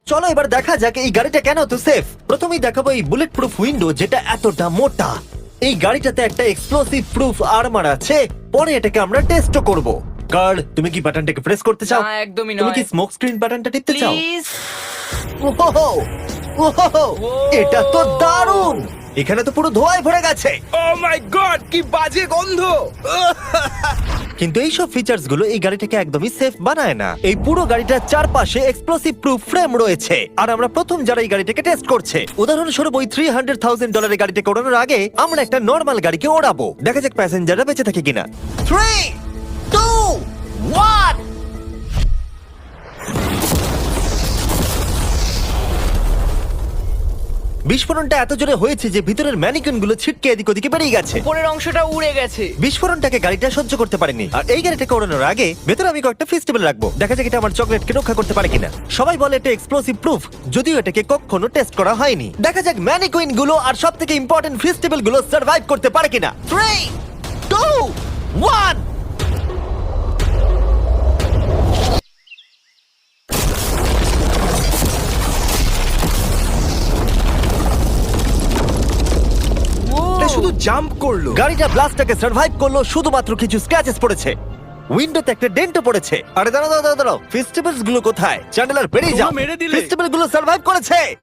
চলো এবার দেখা যাক এই গাড়িটা কেন তো সেফ। প্রথমেই দেখাবো এই বুলেট প্রুফ উইন্ডো যেটা এতটা মোটা। এই গাড়িটাতে একটা এক্সপ্লোসিভ প্রুফ আর্মার আছে। পরে এটাকে আমরা টেস্ট করব। কার্ল, তুমি কি বাটনটাকে প্রেস করতে চাও? না, একদমই তুমি কি নয়। স্মোক স্ক্রিন বাটনটা টিপতে চাও? প্লিজ। ওহো! ওহো! এটা তো দারুণ। এখানে তো পুরো ধোঁয়ায় ভরে গেছে। ও মাই গড, কি বাজে গন্ধ! কিন্তু এইসব ফিচার্স গুলো এই গাড়িটাকে একদমই সেফ বানায় না। এই পুরো গাড়িটার চারপাশে এক্সপ্লোসিভ প্রুফ ফ্রেম রয়েছে। আর আমরা প্রথম যারা এই গাড়িটাকে টেস্ট করছে, উদাহরণস্বরূপ ওই $300,000 গাড়িটাকে ওড়ানোর আগে আমরা একটা নর্মাল গাড়িকে ওড়াবো। দেখা যাক প্যাসেঞ্জাররা বেঁচে থাকে কিনা। 3, 2, 1। বিস্ফোরণটা এত জোরে হয়েছে যে ভিতরের ম্যানিকুইন গুলো ছিটকে এদিক ওদিকে বেরিয়ে গেছে। উপরের অংশটা উড়ে গেছে। বিস্ফোরণটাকে গাড়িটা সহ্য করতে পারেনি। আর এই গাড়িটাকে ওড়ানোর আগে ভেতরে আমি কয়েকটা ফেস্টিভ্যাল রাখবো, দেখা যাক এটা আমার চকলেটকে রক্ষা করতে পারে কিনা। সবাই বলে এটা এক্সপ্লোসিভ প্রুফ, যদিও এটাকে কখনো টেস্ট করা হয়নি। দেখা যাক ম্যানিকুইন গুলো আর সব থেকে ইম্পর্টেন্ট ফেস্টিভ্যাল গুলো সার্ভাইভ করতে পারে কিনা। 3, 2, 1। এটা শুধু জাম্প করলো। গাড়িটা ব্লাস্টটাকে সার্ভাইভ করলো, শুধুমাত্র কিছু স্ক্র্যাচেস পড়েছে। উইন্ডোতে একটা ডেন্টও পড়েছে। আরে দাঁড়াও দাঁড়াও দাঁড়াও, ফেস্টিভ্যালস গুলো কোথায়? চ্যান্ডেলার বেরিয়ে যাও। তোমরা মেরে দিলে। ফেস্টিভ্যাল গুলো সার্ভাইভ করেছে।